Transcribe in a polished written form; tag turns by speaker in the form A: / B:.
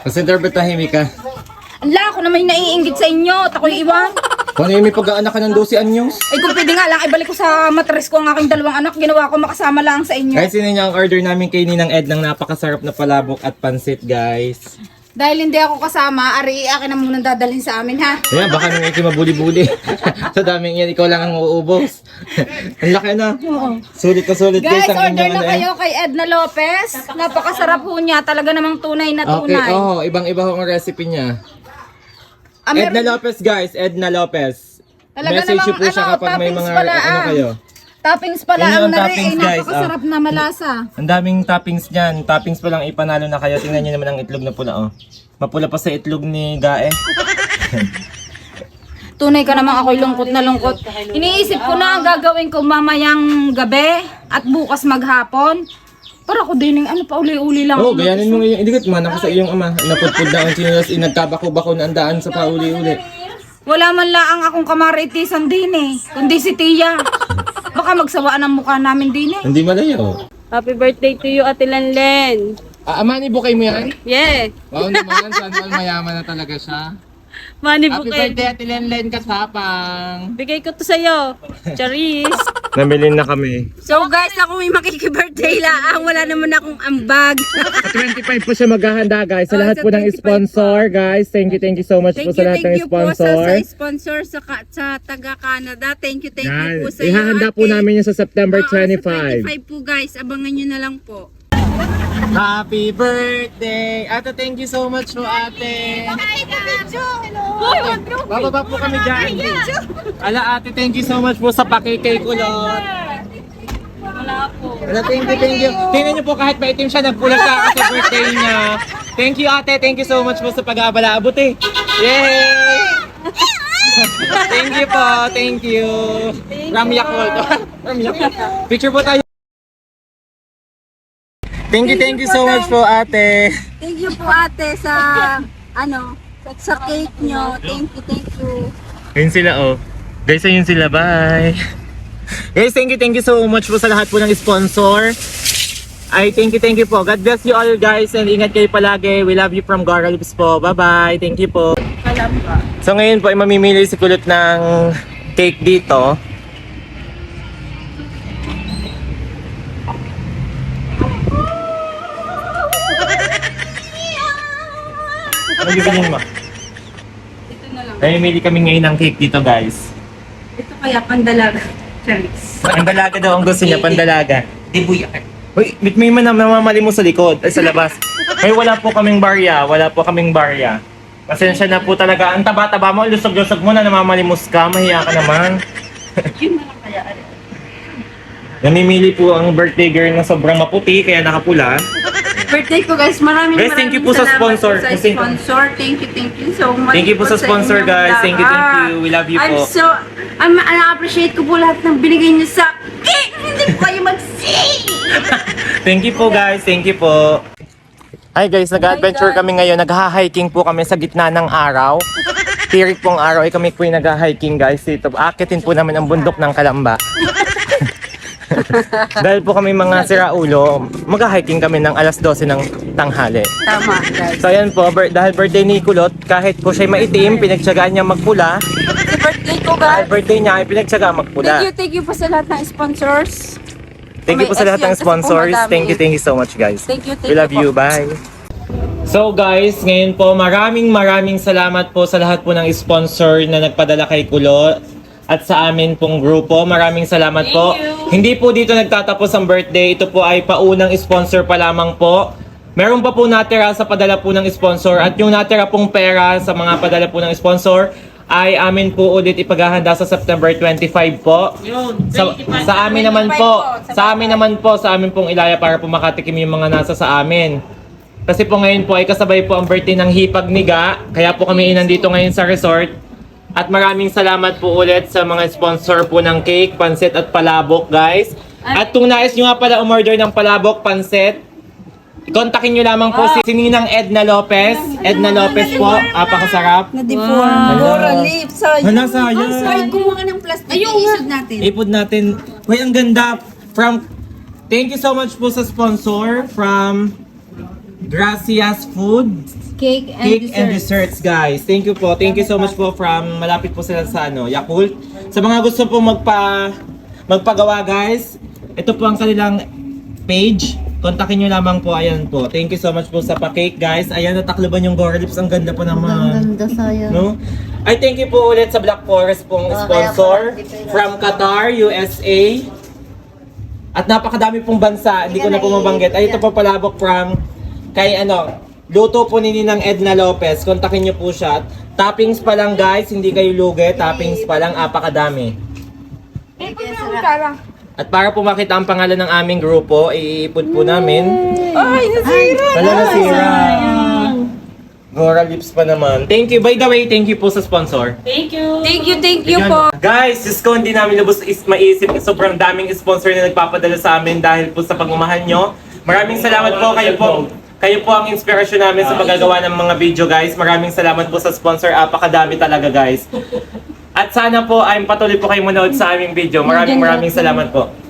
A: Consider ba tahimik ka?
B: Ala, ako naman yung naiinggit sa inyo. At ako'y iwan.
A: Kung ano yung may pag-aanak ka ng 12 anyos?
B: Ay kung pwede nga lang, ibalik ko sa matres ko ang aking dalawang anak. Ginawa ko makasama lang sa inyo.
A: Guys, yun yung order namin kay Ninang Ed ng napakasarap na palabok at pansit, guys.
B: Dahil hindi ako kasama, ari akin na munang dadalhin sa amin ha.
A: Ayan, baka nung iki mabuli-buli. Sa daming yan, ikaw lang ang uubos. Ang laki na. Sulit na sulit
B: Guys,
A: ang
B: order
A: inyong
B: na
A: ano,
B: kayo kay Edna Lopez. Napakasarap po niya. Talaga namang tunay na
A: Okay,
B: tunay.
A: ibang-iba ang recipe niya.
B: Ah, meron-
A: Edna Lopez, guys. Edna Lopez.
B: Talaga
A: Message
B: namang
A: niyo po siya kapag may
B: toppings
A: mga
B: pala,
A: ano kayo.
B: Toppings pala
A: Yun
B: ang
A: yung
B: nari.
A: toppings,
B: Ay,
A: guys,
B: napakasarap na malasa.
A: Ang daming toppings niyan. Toppings pa lang ipanalo na kayo. Tingnan niyo naman ang itlog na pula, oh. Mapula pa sa itlog ni Gae.
B: Tunay ka namang ako'y lungkot na lungkot. Iniisip ko na ang gagawin ko mamayang gabi at bukas maghapon. Para ko din ano pa uli-uli lang.
A: Oh, gayanin mo ngayon. Hindi ko tumana ko sa iyong ama. Napudpud na ang chinelas. Nagkabako-bako na ang daan sa pauli-uli.
B: Wala man lang akong kamaritisan din eh. Kundi si Tia. Baka magsawaan ang mukha namin din eh.
A: Hindi malayo.
C: Happy birthday to you, Ate Lenlen.
A: Amani, bukay mo yan?
C: Yeah.
A: Wow naman. Sana all mayaman na talaga siya.
C: Money
A: Happy
C: bouquet.
A: birthday, Ate Lenlen Kasapang.
C: Bigay ko to sa'yo. Charis.
A: Namili na kami.
C: So guys, ako may makiki-birthday lang. Wala naman akong ambag.
A: 25 po siya maghahanda, guys. Sa lahat po ng sponsor, guys. Thank you so much po sa lahat ng sponsor.
C: sponsor sa taga-Canada. Thank you
A: Yan.
C: po sa
A: Ihahanda po namin yan sa September 25.
C: 25 po guys. Abangan nyo na lang po.
A: Happy birthday! Ate, thank you so much po, ate. Bababa po kami dyan. Ala, ate, thank you so much po sa pakikay kulot.
C: Wala po.
A: Ala, thank you. Tingnan niyo po kahit maitim siya, nagpula siya kasi birthday niya. Thank you, ate. Thank you so much po sa pag-aabala. Abuti. Yay! Thank you po. Thank you. From Yakult. From Yakult. Picture po tayo. Thank you so much po, ate.
C: Thank you po ate sa sa cake nyo. Thank you.
A: Ayun sila, oh. Guys, ayun sila. Bye. Guys, thank you so much po sa lahat po ng sponsor. Ay, thank you po. God bless you all, guys. And ingat kayo palagi. We love you from Gara Lips po. Bye-bye. Thank you po. So, ngayon po ay mamimili si Kulot ng cake dito. Ano bibilin mo?
C: Ito na lang.
A: Namimili kami ngayon ng cake dito, guys.
C: Ito kaya pandalaga. Charis.
A: Pandalaga daw ang gusto niya, pandalaga. Dibuyak. Uy, may namamali mo sa likod, ay sa labas. Ay, wala po kaming barya. Pasensya na po talaga. Ang taba-taba mo, lusog-lusog mo na, namamalimos ka, mahiya ka naman.
C: Yun na lang kaya.
A: Namimili po ang birthday girl na sobrang maputi, kaya nakapula.
C: Birthday ko guys, maraming
A: Guys, thank you po sa
C: salamat
A: sponsor.
C: po sa sponsor. Thank you so much.
A: Thank you po sa sponsor,
C: inyong
A: guys. Thank you.
C: lahat.
A: We love you po.
C: I-appreciate ko po lahat ng binigay niyo sa cake. Hindi po kayo mag-see.
A: Thank you po, guys. Thank you po. Hi guys, nag-adventure kami ngayon. Nag-hiking po kami sa gitna ng araw. Tirik pong araw ay kami po yung nag-hiking, guys. Dito, akitin po namin ang bundok ng Kalamba. Dahil po kami mga siraulo, mag-hiking kami ng alas 12 ng tanghali.
C: Tama guys.
A: So ayan po, dahil birthday ni Kulot, kahit po siya'y maitim, pinagtsagaan niya magpula.
C: Sa birthday ko
A: Dahil
C: guys.
A: birthday niya ay pinagtsagaan magpula.
C: Thank you po sa lahat ng sponsors.
A: Thank you po sa lahat ng sponsors. Thank you so much, guys.
C: Thank you
A: We love you.
C: po.
A: Bye. So guys, ngayon po maraming salamat po sa lahat po ng sponsor na nagpadala kay Kulot at sa amin pong grupo. Maraming salamat po. Hindi po dito nagtatapos ang birthday. Ito po ay paunang sponsor pa lamang po. Meron pa po natira sa padala po ng sponsor at yung natira pong pera sa mga padala po ng sponsor ay amin po ulit ipaghahanda sa September 25 po. Sa amin naman po, sa amin pong ilaya para po makatikim yung mga nasa sa amin. Kasi po ngayon po ay kasabay po ang birthday ng hipag ni Ga. Kaya po kami nandito ngayon sa resort. At maraming salamat po ulit sa mga sponsor po ng cake, pansit at palabok, guys. At kung nais nyo nga pala umorder ng palabok, pansit, kontakin nyo lamang po si Ninang Edna Lopez. Edna Lopez po, apakasarap.
C: Na-deform. Gora lips.
A: Hala, sayang.
C: Ay, kumuha ka ng plastic. Iisod natin.
A: Ipod natin. Uy, ang ganda. Thank you so much po sa sponsor from Gracias Food
B: Cake
A: Cake and Desserts, guys. Thank you po. Thank you so much po from malapit po sila sa Yakult. Sa mga gusto po magpagawa, guys, ito po ang kanilang page. Kontakin nyo lamang po. Ayan po. Thank you so much po sa pa-cake, guys. Ayan, natakloban yung Gore Lips. Ang ganda po naman.
C: Ganda sayang.
A: No? Ay, thank you po ulit sa Black Forest pong sponsor from Qatar, USA. At napakadami pong bansa. Hindi ko na po mabanggit. Ay, ito po palabok from kay luto po ni Ninang Edna Lopez. Kontakin nyo po siya. Toppings pa lang, guys. Hindi kayo lugi. Toppings pa lang. Apakadami. At para po makita ang pangalan ng aming grupo, iipod po namin.
B: Ay, nasira!
A: Wala nasira. Gora Lips pa naman. Thank you. By the way, thank you po sa sponsor.
B: Thank you po.
A: Guys, Diyos ko, hindi namin lubos maisip. Sobrang daming sponsor na nagpapadala sa amin dahil po sa pagmamahal nyo. Maraming salamat po. Kayo po ang inspirasyon namin sa paggagawa ng mga video, guys. Maraming salamat po sa sponsor. Apakadami talaga, guys. At sana po ay patuloy po kayo manood sa aming video. Maraming salamat po.